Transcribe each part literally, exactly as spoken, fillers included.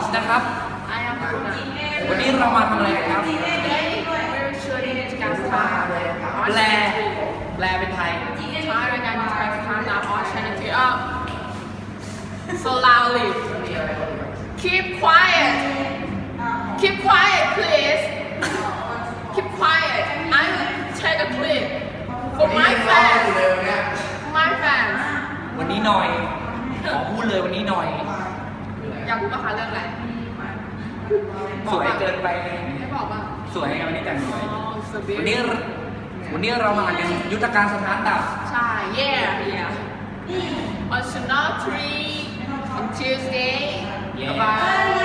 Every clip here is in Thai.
นะครับ I am Kuna. วันนี้เรามาทำอะไรกันครับ Today we're shooting Kazakhstan แปล on Channel แปลเป็นไทย three. Thai rayการ Kazakhstan on Channel three. Up. So loudly. Keep quiet. Keep quiet, please. Keep quiet. I will take a clip for my fans. For my fans. วันนี้หน่อย ขอพูดเลยวันนี้หน่อยอยากรู้ป่ะคะเรื่องอะไรสวยเกินไปไม่บอกป่ะสวยไงวันนี้แต่งสวยอ๋อ so วันนี้ beautiful. วันนี้เรามาอ่านกันยุทธการสถานดับใช่ yeah yeah on Channel three on Tuesday Yeah. about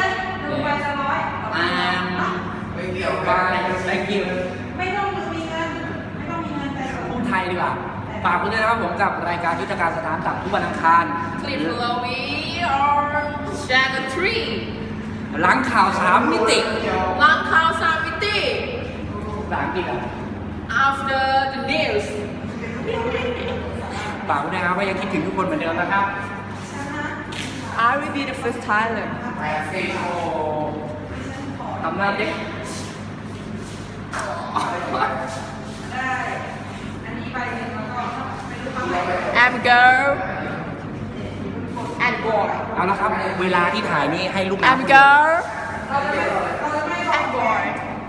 อ่านไปและกิวไม่ต้องมีเงินไม่ต้องมีเงินแต่พูดไทยดีกว่า ฝากไว้ด้วยนะครับผมกับรายการยุทธการสถานดับทุกวันอังคาร Clip below me on Channel three หลังข่าวสามมิติหลังข่าวสามมิติภาษาอังกฤษอ่ะ after the news ฝากไว้ด้วยนะครับว่ายังคิดถึงทุกคนเหมือนเดิมนะครับ I will be the first Thailand ทำหน้าเด็ก and girl and boy เอาละครับ เวลาที่ถ่ายนี่ให้ลูก and girl and boy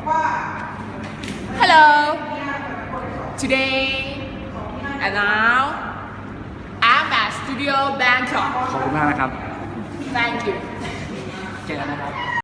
hello today and now I'm at Studio Bangkok ขอบคุณมากนะครับ thank you เจอกันนะครับ